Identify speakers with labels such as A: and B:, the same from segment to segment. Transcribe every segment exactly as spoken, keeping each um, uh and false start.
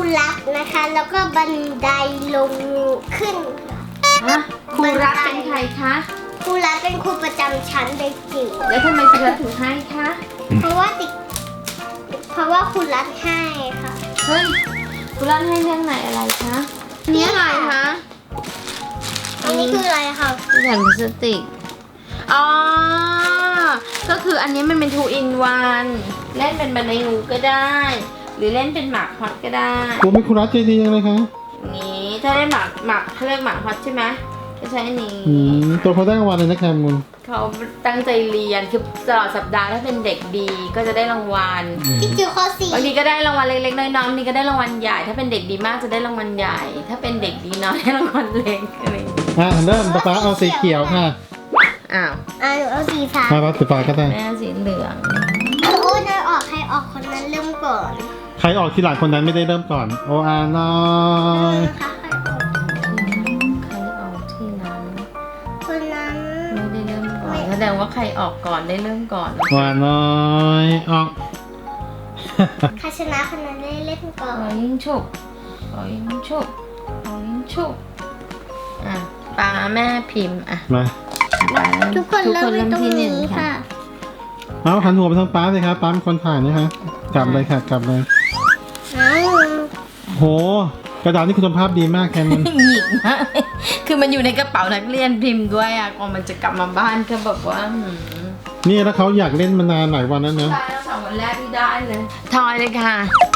A: รักนะคะแล้วก็บันไดลงขึ้น
B: ฮะครูรักเป็นใครคะ
A: ครูรักเป็นครูประจำชั้นเด็กจิ๋ว
B: แล้วทำไมครูรักถึงให้คะ
A: เพราะว่าติดเพราะว่าครูรักให้ค่ะ
B: เฮ้ยครูรักให้เรื่องไหนอะไรคะนี่อะไรคะ
A: อันนี้คืออะไรคะ
B: แผ่นพลาสติกอ๋อก็คืออันนี้มันเป็น two in one เล่นเป็นบันไดงูก็ได้ หรือเล่นเป็นหมากฮอตก็ได้
C: โอ้ไม่คุณรักใจดียังเลยคะ
B: นี้ถ้าได้หมากหมากเขาเรียกหมากฮอตใช่ไหมก็ใช้อันนี้
C: อืมตัวเขาได้รางวัลเลยนะแคมูล
B: เขาตั้งใจเรียนคือตลอดสัปดาห์ถ้าเป็นเด็กดีก็จะได้รางวัล
A: พี่จิ๋วข้อสี่
B: บางทีก็ได้รางวัลเล็กๆน้อยๆบางทีก็ได้รางวัลใหญ่ ถ้าเป็นเด็กดีมากจะได้รางวัลใหญ่ ถ้าเป็นเด็กดีน้อยได้รางวัลเล็กอะไรอย่างเงี้ย
C: อ่ะเริ่มป๊าป๊าเอาสีเขียวค่ะ
B: อ้าว
A: อ่าหนูเอาสีฟ้า
C: มาป๊าสีฟ้าก็ได้
B: แม่สีเหลือง
A: โอ้ยออกใครออกคนนั้นเริ่มก่อน
C: ใครออกทีหลังคนนั้นไม่ได้เริ่มก่อน โออาน้อย
A: นะคะใครออก
B: ใครออกที่นั้น
A: คนนั้น
B: ไม่ได้เริ่มก่อนแสดงว่าใครออกก่อนได้เริ่มก่อน
C: โออาน้อยออก
A: ใครชนะคนนั้นได้เล่นก่อ
B: ขอน ยิงฉุกขอยิงฉุกขอยิงฉุกอ่ะปาแม่พิมพ์อ่ะ
C: มา
B: ปา
A: ทุกคนเริ่มตรง
B: ที่ห
A: นี้
B: ง
A: ค่ะ
C: เอาหันหัวไปทางป๊าเลยครับป๊าเป็นคนถ่ายนะคะกลับเลยค่ะกลับเลย
A: อ้าว
C: โหกระดาษนี่คุณภาพดีมากแคมูล
B: หยิกมากคือมันอยู่ในกระเป๋านักเรียนพิมพ์ด้วยอ่ะก่อนมันจะกลับมาบ้านก็แบบว่าหืม
C: นี่แล้วเขาอยากเล่นมานานหลายวันแล้วนะ
B: ได้แล้วสองวันแรกที่ได้เลยทอยเลยค่ะ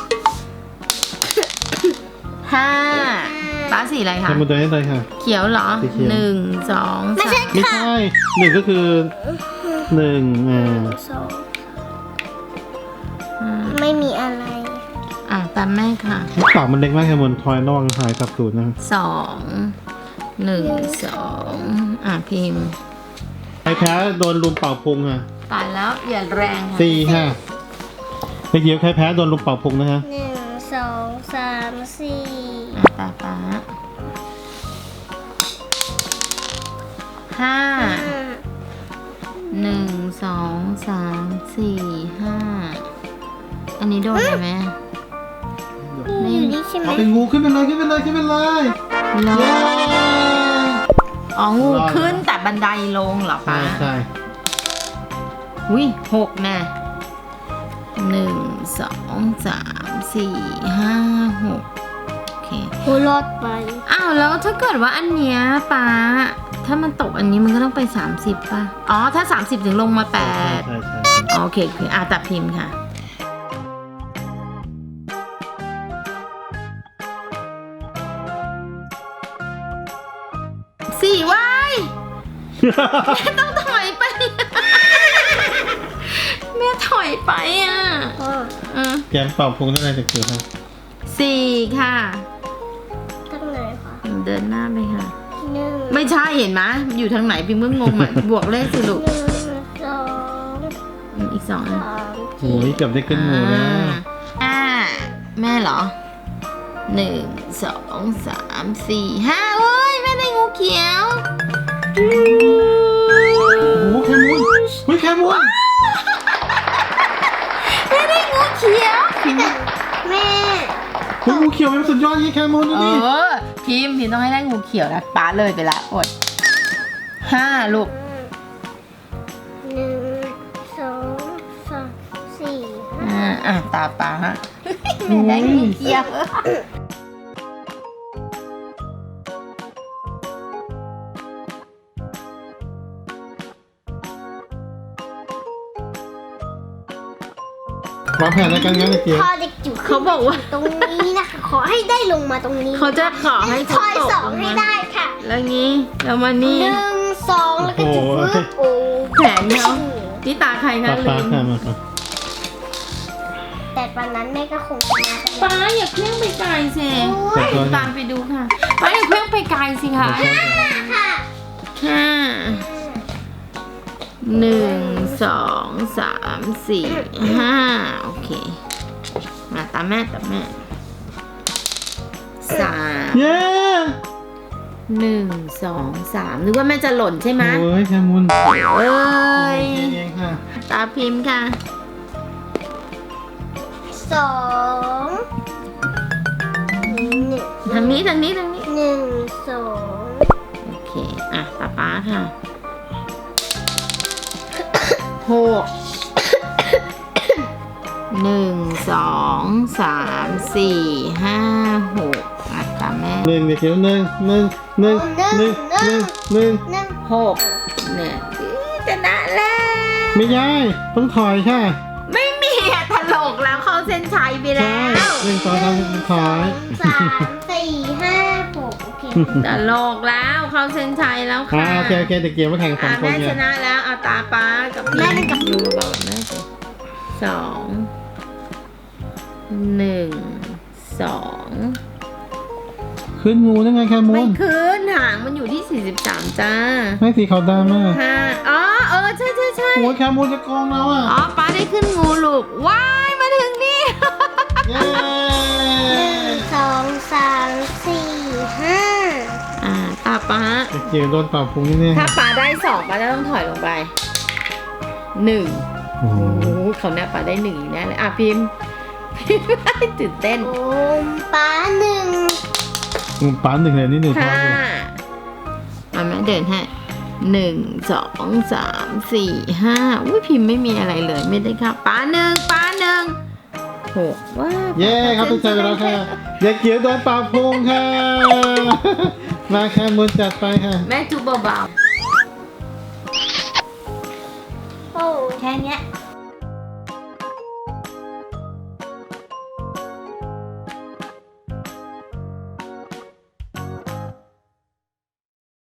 B: ห้าป้าสีอะไร
C: แค
B: คะ
C: มูลตัวนี้เลยค่ะ
B: เขียวเหรอ
C: สีเขียว
B: หนึ่งสอง
A: ไม่
B: สา
A: ใช่
B: ม
C: ไม่
A: ค่ะ
C: ใช่หนึ่งก็คือหนึ่งอ่า
A: สอง
B: อืม
A: ไม่มีอะไร
B: อ่ะตามแม่ค่ะ
C: ปากมันเล็กมากแคมูลทอยระวังหายสับสูตรนะ
B: สองหนึ่งสองอ่ะพิมพ์
C: ใครแพ้โดนลุมเป่าพุงอ่ะ
B: ตายแล้วอย่าแรงค่ะ
C: สี่ค่ะเมื่อกี้ใครแพ้โดนลุมเป่าพุงนะคะ
A: หนึ่งสองสามสี่
B: อ่ะตาป้าห้า
A: ห้า
B: หนึ่งสองสามสี่ห้าอันนี้โดนไหมแม่
A: นี่อยู่นี่ใช่ไหม
C: เอาเป็นงูขึ้นไปเลยขึ้นไปเลยขึ้นไปเลย
B: รอ
C: เย้
B: อ๋องูขึ้นแต่บันไดลงเหรอ
C: ใช่
B: ป้า
C: ใช่
B: อุ้ยหกแม่หนึ่งสองสามสี่ห้าหกโอเค
A: โอ้รอดไป
B: อ้าวแล้วถ้าเกิดว่าอันเนี้ยป้าถ้ามันตกอันนี้มันก็ต้องไปสามสิบป่ะอ๋อถ้าสามสิบถึงลงมาแปด
C: ใช่ใช่
B: อ๋อโอเคโอเคอ่ะตัดพิมพ์ค่ะสี่วายแม่ต้องถอยไป แม่ถอยไปอ่ะ
A: พ่อ
B: อืม
C: เตรียมเป่าพุงได้เลยเด็กๆครับ
B: สี่ค่ะ
A: ตั้งไหนคะ
B: เดินหน้าไปค่ะ
A: หนึ่ง
B: ไม่ใช่เห็นไหมมันอยู่ทางไหนพิมพ์ก็งงอ่ะ บวกเลขสิลูก
A: หนึ่งสอง
B: อืมอีกสองอัน
A: สาม
C: โอ้ยเกือบได้ขึ้นงูแล้ว
B: อ่าแม่เหรอหนึ่งสองสามสี่ห้าโอ้ยแม่ได้งูเขียว
C: โอ้โหแคมูนเฮ้ยแคมูน
B: แม่ได้งูเขียว
A: แม่
C: เฮ้ยงูเขียวเป็นสุดยอดยี่แคมูนดู
B: เอ
C: ดิ
B: อพิมพ์พิมพ์ต้องให้ได้งูเขียวนะป้าเลยไปละอดห้าลูก
A: หนึ่งสองสามสี่
B: อ่าอ่ะตาป้าไม่ได้งูเขียว
C: วางแผนในการงานเด็ก
A: พอเด็กจิ๋ว
B: เขาบอกว่า
A: ตรงนี้นะคะขอให้ได้ลงมาตรงนี้
B: เขาจะขอให้
A: ทอยสองให้ได้ค่ะ
B: แล้วงี้แล้วมา
A: ห
B: นี่
A: นึ่งสองแล้วก็จะฟึบโอ้
B: แผนเนาะนี่ตาใคร
C: ๆ
B: คะ
C: ป้า
B: ลื
C: ป้าม ค่ะมาครับ
A: แต่วันนั้นแม่ก็คงชนะ
B: ป้าอย่าเคลื่องไปไกลสิตามไปดูค่ะป้าอย่าเคลื่องไปไกลสิคะ
A: ค่ะ
B: ห้าหนึ่งสองสามสี่ห้าโอเคมาตามแม่ตามแม่สาม
C: เย้
B: หนึ่งสองสามนึกว่าแม่จะหล่นใช่ไหม
C: โอ้ยแคมูน
B: เอ้ย
C: เองค่ะ
B: ตาพิมพ์ค่ะ
A: สอง
B: ทางนี้ทางนี้ทางนี้
A: หนึ่งสอง
B: โอเค อ่ะป๊าป๊าค่ะหกหนึ่งสองสามสี่ห้าหกอ่ะตามแม่
C: หนึ่งเด็กจิ๋วหนึ่งหนึ่งหนึ่งหนึ่งหนึ่งหนึ่ง
A: หนึ่ง
B: หกเนี่ยชนะแล้ว
C: ไม่ได้ต้องถอยค่ะ
B: ไม่มีอะถลกแล้วเข้าเส้นชัยไป
C: ใช่
B: แล้ว
C: หนึ่งสองสามถอย
A: สามสี่ห้าหกโอเค
B: ตลกแล้วเข้าเส้นชัยแล้ว
C: อ่า
B: ค่ะ
C: โอเคโอเคเด็กจิ๋วมาแข่งสอ
B: อ่ะ
C: งคน
B: แม่
C: เนี่
B: ช
C: ย
B: นะแล้วเอาตาป้ากับแม่กับยูบอกกับแม่สิสองหนึ่งสอง
C: ขึ้นงูได้ไงแคมู
B: ไม่
C: น
B: ขึ้นหางมันอยู่ที่สี่สิบสามจ้า
C: ให้สีขาวดำมาก
B: ห้าอ๋อเออใช่ใช่ใช่
C: โอ้ยแคมูนจะโกงเราอ่ะ
B: อ๋อป้าได้ขึ้นงูลูกว้ายมาถึงนี่
C: เย้
A: หนึ่งสองสามสี่ห้า
B: อ่าตาป้า
C: เด็กจิ๋วโดนเป่าพุงแน่
B: ถ้าป้าได้สองป้าจะต้องถอยลงไปหนึ่ง
C: ๆโอ้โห
B: โอ้โหเขาแน่ป้าได้หนึ่งอีกแน่เลยอ่ะพิมพ์ พิมพ์ตื่นเต้น
A: โอมป้าหนึ่ง
C: งูป้าหนึ่งเลยนี่หนึ่งพอ
B: ห้า
C: อยู่
B: มาแม่เดินให้หนึ่งสองสามสี่ห้าอุ้ยพิมพ์ไม่มีอะไรเลยไม่ได้ค่ะป้าหนึ่งป้าหนึ่งหกว้า
C: เย้ครับทุกท่านไปแล้วค่ะเด็กจิ๋วโดนเป่าพุงค่ะ มาแคมูนจัดไปค่ะ
B: แม่จูบเบา
A: โอ้
B: ๆแค่เนี้ย